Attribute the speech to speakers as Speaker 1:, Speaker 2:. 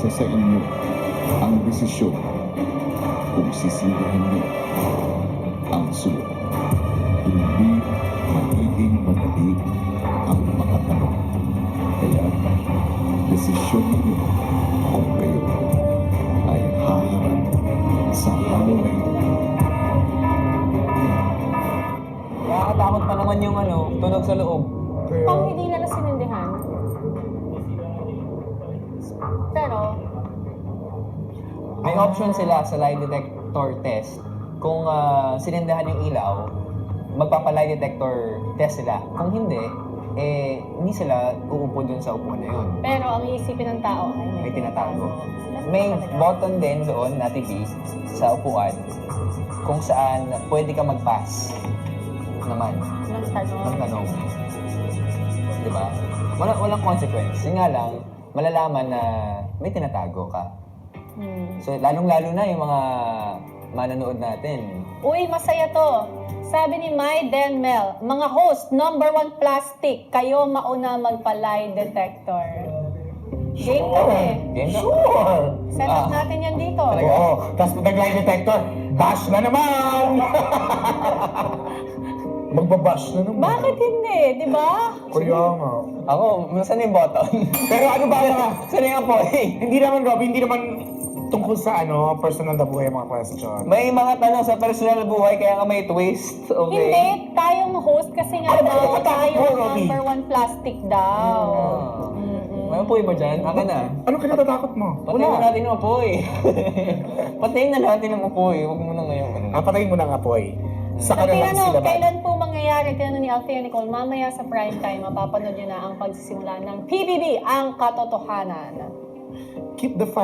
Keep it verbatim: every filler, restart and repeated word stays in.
Speaker 1: Nasa sa inyo ang desisyon kung sisindihan niyo ang sulok. Hindi magiging madali ang makatanong. Kaya desisyon niyo kung kayo ay haharap sa hamon na ito.
Speaker 2: Nakakatakot pa naman yung ano, tunog sa loob.
Speaker 3: Kung hindi nila sinindihan. Pero,
Speaker 2: May option sila sa lie detector test. Kung ah, sinindahan yung ilaw, magpapa-lie detector test sila. Kung hindi, eh, hindi sila uupo dun sa upuan na yun.
Speaker 3: pero ang iisipin ng tao ay
Speaker 2: May tinatago. May button din doon, Nati B, sa upuan, kung saan pwede ka mag-pass naman
Speaker 3: ng tanong.
Speaker 2: ng tanong. Di ba? Wala, walang consequence. Yun nga lang, malalaman na may tinatago ka.
Speaker 3: Hmm.
Speaker 2: So, lalong-lalo na yung mga manonood natin.
Speaker 3: Uy, masaya to. Sabi ni Mai Den Mel, mga host, number one plastic, kayo mauna magpa-lie detector. Game to eh.
Speaker 2: Game na?
Speaker 4: Sure!
Speaker 3: Set up
Speaker 2: Ah.
Speaker 3: natin yan dito.
Speaker 2: Talaga?
Speaker 4: Oo, tapos pag nag-lie detector, bash na naman! Magbabash na naman.
Speaker 3: Bakit hindi? Di ba?
Speaker 4: Kaya nga.
Speaker 2: Ako, saan yung button?
Speaker 4: Pero ano ba mga,
Speaker 2: Saan yung apoy?
Speaker 4: hindi naman Rob, hindi naman tungkol sa ano, personal na buhay mga question.
Speaker 2: May mga tanong sa personal na buhay, kaya nga may twist. Okay?
Speaker 3: Hindi, tayong host kasi nga
Speaker 4: Ano ba
Speaker 3: daw
Speaker 4: yung
Speaker 3: tayo
Speaker 4: mo,
Speaker 3: ang
Speaker 4: Robby?
Speaker 3: number one plastic daw.
Speaker 2: Ah.
Speaker 3: Mm-mm.
Speaker 2: May apoy ba dyan? Akin na.
Speaker 4: Ano kinatatakot mo?
Speaker 2: Patayin na natin yung apoy. Patayin na natin yung apoy. Huwag mo na ngayon. Ano.
Speaker 4: Ah, patayin mo na nga po eh. Sa
Speaker 3: Sa
Speaker 4: kanilang
Speaker 3: ano,
Speaker 4: sila ba?
Speaker 3: kailan po mangyayari? Tinanong ni Althea Nicole, mamaya sa prime time, mapapanood nyo na ang pagsisimula ng P B B, ang katotohanan.
Speaker 4: Keep the